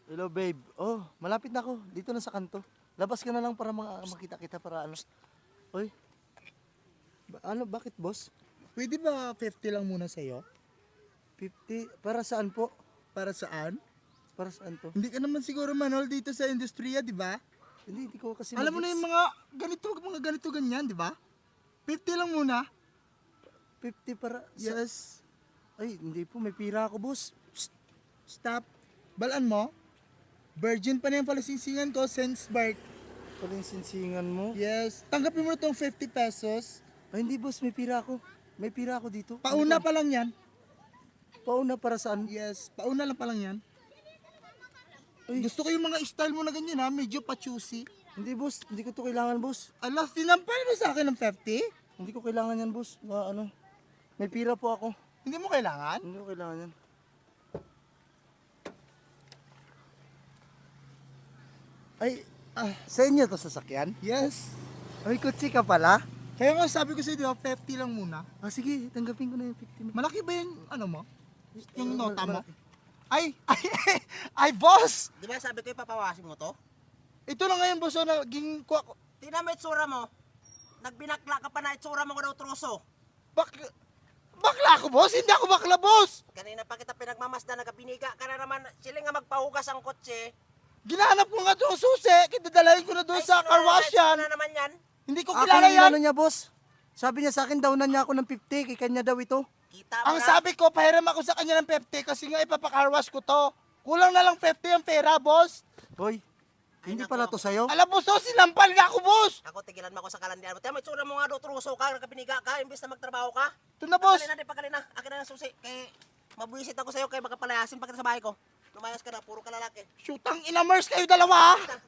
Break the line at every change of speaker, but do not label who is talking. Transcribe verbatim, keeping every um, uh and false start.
Hello, babe. Oh, malapit na ako. Dito na sa kanto. Labas ka na lang para ma- makita kita para ano. Oy, ba- ano, bakit, boss?
Pwede ba fifty lang muna sa'yo?
fifty? Para saan po?
Para saan?
Para saan to?
Hindi ka naman siguro manol dito sa industriya, di ba?
Hindi, hindi ko kasi
Alam mo na
mag-gets.
yung mga ganito, mga ganito ganyan, di ba? fifty lang muna.
fifty para sa...
Yes.
Ay, hindi po. May pira ako, boss.
Psst. Stop. Balaan mo. Virgin pa na yung palasingsingan ko since birth.
Pala yung sinsingan mo.
Yes. Tanggapin mo na itong fifty pesos.
Ay, hindi, boss. May pira ako. May pira ako dito.
Pauna
Ano to?
pa lang yan.
Pauna para saan?
Yes. Pauna lang pa lang yan.
Uy.
Gusto ko yung mga style mo na ganyan ha. Medyo pa-choosy.
Hindi, boss. Hindi ko to kailangan, boss.
Ala, tinampal mo sa akin ng fifty?
Hindi ko kailangan yan, boss. Na, ano. May pira po ako.
Hindi mo kailangan?
Hindi ko kailangan yan. Ay, ah, sa inyo to sasakyan?
Yes.
Ay, kutsi ka pala?
Kaya nga sabi ko sa'yo, di ba, fifty lang muna.
Ah, sige, tanggapin ko na yung fifty mo.
Malaki ba yung, ano mo? Yung
Eh,
nota mo?
malaki.
Ay, ay, ay, boss!
Di ba sabi ko ipapawasin mo to?
Ito na ngayon, boss, oh, naging, kuha ko.
Tingnan mo itsura mo. Nagbinakla ka pa na itsura mo ko daw truso.
Bak, bakla ako, boss? Hindi ako bakla, boss!
Kanina pa kita pinagmamasda, nagabiniga ka na naman. Sila nga magpahugas ang kotse.
Ginahanap ko nga doon susi, kitadalahin ko na doon
Ay,
sa
sino
car
na-
wash
sino
yan.
na naman yan?
Hindi ko
Ako
kilala
yung
yan.
ano niya, boss. Sabi niya sa akin, daw na niya ako ng fifty. Kay kanya daw ito.
Kita mo
Ang
na.
sabi ko, pahiram ako sa kanya ng fifty kasi nga ipapa-car wash ko to. Kulang na lang fifty ang pera, boss.
Hoy,
Ay,
hindi
naku,
pala to sa'yo.
Alam mo, so, sinampal nga ako, boss.
Ako tigilan mo ako sa kalandian mo. Tingnan mo itsura mo nga daw truso ka. Nagabiniga ka. Imbis na magtrabaho ka.
Ito na, boss.
Pagalina, di pagalina. Akin na ng susi. Kay mabuisit ako sa'yo. Kay magkapalayasin pa kita sa bahay ko. Lumayas ka na. Puro ka lalaki.
Shootang inamers kayo dalawa, ha?